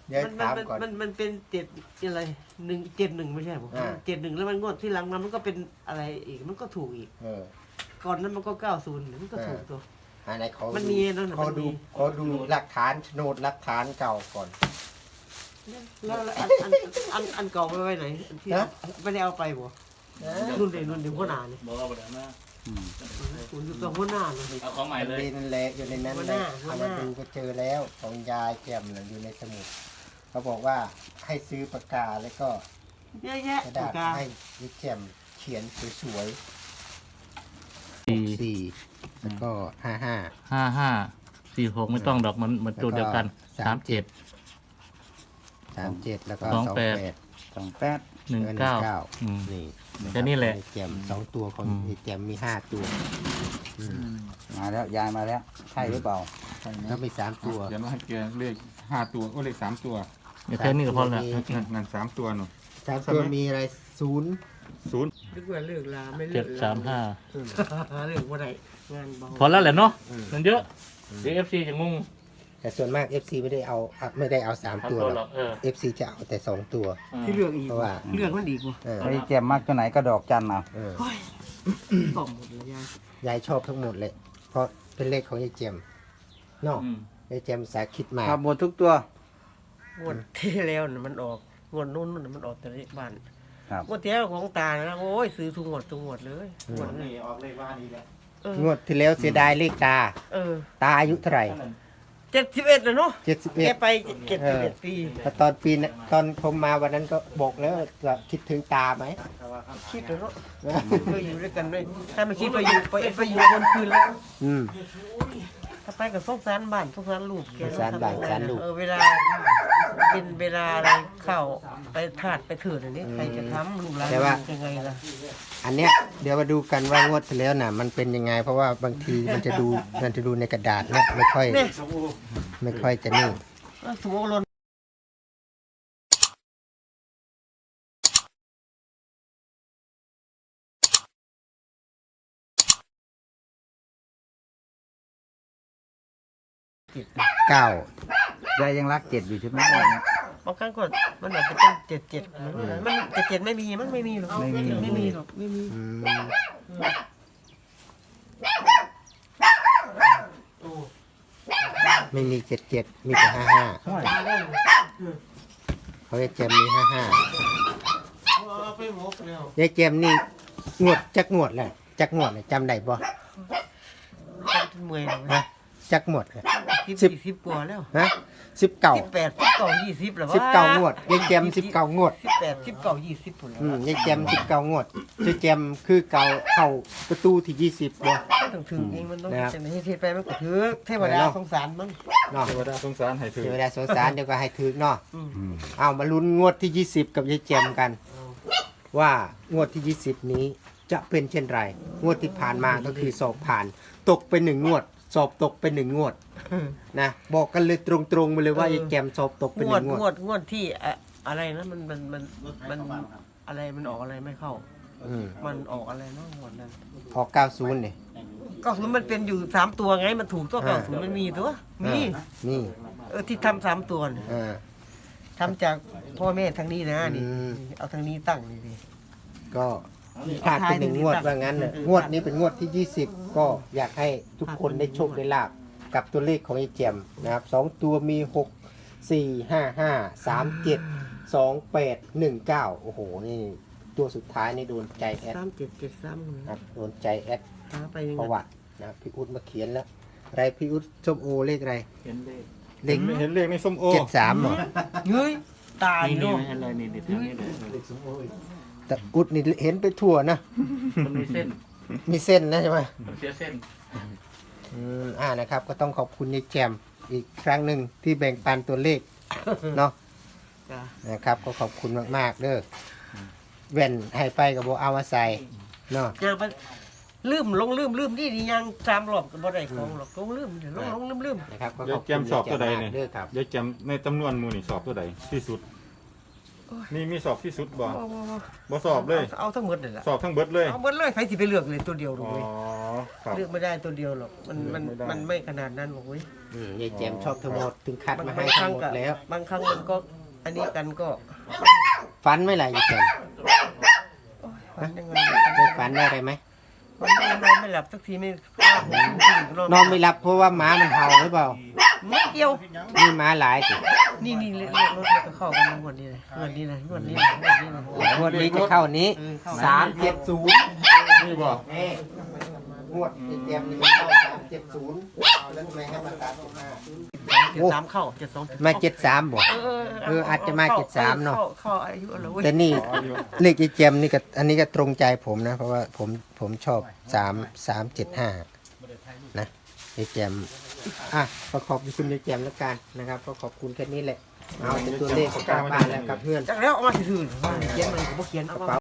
เดี๋ยวมันถามก่อนมันเป็นอะไร171ไม่ใช่ผม71แล้วมันงวดที่หลังมันก็เป็นอะไรอีกมันก็ถูกอีกก่อนนั้นมันก็90มันก็ถูกตัวอันไหนเขามันมีนั่นเขาดูหลักฐานโฉนดหลักฐานเก่าก่อนแล้วอันเก่าไปไว้ไหนอันที่ไม่ได้เอาไปบ่นุ่นเดี๋ยวหัวหน้าเนี่ยบอกว่าแบบนั้นคุณอยู่ตัวหัวหน้าเลยเอาของใหม่เลยนั่นแหละอยู่ในนั้นหัวหเลน้าย หัวเอาหมาน้าดูก็เจอแล้วของยายแจ่มน่ะอยู่ในสมุดเขาบอกว่าให้ซื้อปากกาแล้วก็เยอะแยะกระปาดาก ษกาให้ยายแจ่มเขียนสวยสี่ๆแล้วก็55 55 46ไม่ต้องดอกมันตัวเดียวกัน 37แล้วก็ 28 28 19 นี่แค่นี้แหละยายแจ่ม2ตัวของยายแจ่มมี5ตัวมาแล้วยายมาแล้วใช่หรือเปล่าแล้วมี3ตัวเขียนว่าให้เกียร์เลข5ตัวเลข3ตัวเดี๋ยวแค่นี้ก็พอแล้วนั่น3ตัวหนู 3ตัวมีอะไร0 นึกว่าเลิกลาไม่เลิกลา 735 เลิกว่าไรงานเบาพอแล้วแหละเนาะมันเยอะเดี๋ยว FC จะงงแต่ส่วนมาก FC ไม่ได้เอา3ตัวหรอก FC จะเอาแต่2ตัวที่เลือกอีกเพราะว่าเลือกมันอีกว่ะไอ้แจ่มมากตัวไหนก็ดอกจันเอาต่อมหมดเลยยายยายชอบทั้งหมดเลย เพราะเป็นเลขของยายเจมเนาะยายเจมสาคิดมาครับหมดทุกตัวงวดที่แล้วน่ะมันออกงวดนู้นน่ะมันออกแต่เลขบ้านครับงวดที่แล้วของตานะโอ้ยซื้อทุกงวดเลยงวดนี้ออกเลขว่านี้แหละงวดที่แล้วเสียดายเลขตา ตาอายุเท่าไหร่ 71แล้วเนาะแก 71 ไป71 ปีแต่ตอนปีนั้นตอนผมมาวันนั้นก็บอกแล้วจะคิดถึงตาไหมคิดแล้วเนาะเคยอยู่ด้วยกันด้วยถ้าไม่คิดไปอยู่บนคืนแล้วอืมถ้าไปกับสงสารบ้านสงสารลูกแกสงสารบ้านสงสารลูกเวลาเป็นเวลาอะไรเข้าไปถาดไปเถื่อนอันนี้ใครจะทำลูกหลานยังไงล่ะอันเนี้ยเดี๋ยวมาดูกันว่างวดที่แล้วน่ะ มันเป็นยังไง เพราะว่าบางทีมันจะดูในกระดาษเนี่ยไม่ค่อยจะนี่สมมติลน 9 ยายยังรักเจ็ดอยู่ใช่ไหมบางครั้งก็มันอาจจะเป็น77มัน77ไม่มีมันไม่มีหรอกไม่มีหรอกไม่มีอืมไม่มี77มีแต่55เขาจะเจมมีไปหมกแล้ว 55ยายเจมนี่งวดจักงวดแหละจักงวดเลยจำได้บ่เมื่อยฮะจักงวดเลย 10กว่าแล้วฮะ19 18 19 20แล้ววะ 19งวดยายเจม19งวด 18 19 20พุ่นแล้วยายเจม19งวดยายเจมคือเก่าเข้าประตูที่20บ่ถึงเองมันต้องจะไม่ให้เทไปมันก็ถือเทวดาสงสารมันเนาะเทวดาสงสารให้ถือเทวดาสงสารเดี๋ยวก็ให้ถึกเนาะเอามาลุ้นงวดที่20กับยายเจมกัน ว่างวดที่20นี้จะเป็นเช่นไร งวดที่ผ่านมาก็คือสอบผ่าน ตกไป1งวด สอบตกไป1งวดนะบอกกันเลยตรงๆมาเลยว่ายายแกมสอบตกไป1งวดงวดที่อะไรนะมันอะไรมันออกอะไรไม่เข้า มันออกอะไรนะงวดนั้นออก90นี่ก็คือมันเป็นอยู่3ตัวไงมันถูกตัว90มันมีตัวมีนี่ที่ทำ3ตัวน่ะ ทำจากพ่อแม่ทางนี้นะนี่เอาทางนี้ตั้งนี่ดิก็พลาดไป1งวดว่างั้นน่ะงวดนี้เป็นงวดที่20ก็อยากให้ทุกคนได้โชคได้ลาบกับตัวเลขของยายแจมนะครับ2ตัวมี6 4 5 5 3 7 2 8 1 9โอ้โหนี่ตัวสุดท้ายนี่โดนใจแอด 3773 ครับโดนใจแอดหาไปยังประไงวัตินะพี่อุ๊ดมาเขียนแล้วอะไรพี่อุ๊ดส้มโอเลขอะไรเห็นเลขเลขเห็นเลขในส้มโอ 73เหรอเฮ้ยตายนี่เนาะอะไรนี่เด็ดนี่เลยแต่อุ๊ดนี่เห็นไปทั่วนะมันมีเส้นมีเส้นนะใช่ไหมมันเสียเส้นนะครับก็ต้องขอบคุณยายแจมอีกครั้งหนึ่งที่แบ่งปันตัวเลขเนาะจ้ะนะครับก็ขอบคุณมากๆเด้อแว่นให้ไปกับโบเอามาใส่เนาะยังไปลืมนี่ยัง3รอบก็บ่ได้ของหรอกลืมลืมนะครับก็ขยาอย บแจคุณมสอบตัวใดเนี่ยเด้อครับยายแจมในจำนวนหมู่นี่สอบตัวใดที่สุดนี่มีสอบที่สุดบ่บ่สอบเลยเอาทั้งหมดเลยล่ะสอบทั้งเบิดเลยเอาหมดเลยใครสิไปเลือกเลยตัวเดียวหรอกอ๋อเว้ยครับเลือกไม่ได้ตัวเดียวหรอกมันเลือกไม่ได้มันไม่ขนาดนั้นหรอกเว้ยยายแจมชอบทั้งหมดถึงคัดมาให้บางคทั้รั้งงหมดก็แล้วบางครั้งมันก็อันนี้กันก็ฝันไม่ไรยายแจมโอ้ยฝันยังไงได้ฝันได้อะไรไหมมันไม่หลับสักทีไม่นอนไม่หลับเพราะว่าหมามันเห่าหรือเปล่าไม่เกี่ยวนี่หมาหลายสินี่เรียกรถแล้วก็เข้ากันงวดนี้เลยงวดนี้เลยงวดนี้เลยงวดนี้เลยงวดนี้จะเข้านี้ 370 นี่บ่นี่งวดยายแจมนี่จะเข้า370แล้วทำไมให้มา375 73เข้า72 มา73บ่ อาจจะมา73เนอะเข้าอายุอะไรเว้ยแต่นี่เลขยายแจมนี่ก็อันนี้ก็ตรงใจผมนะ เพราะว่าผมชอบ375นะยายแจมก็ขอบคุณยายแจมแล้วกันนะครับก็ขอบคุณแค่นี้แหละเอาเป็นตัวเลขกลับบ้านแล้วกับเพื่อนจากแล้วเอามาถือเขียนมันผมบ่เขียนเอามา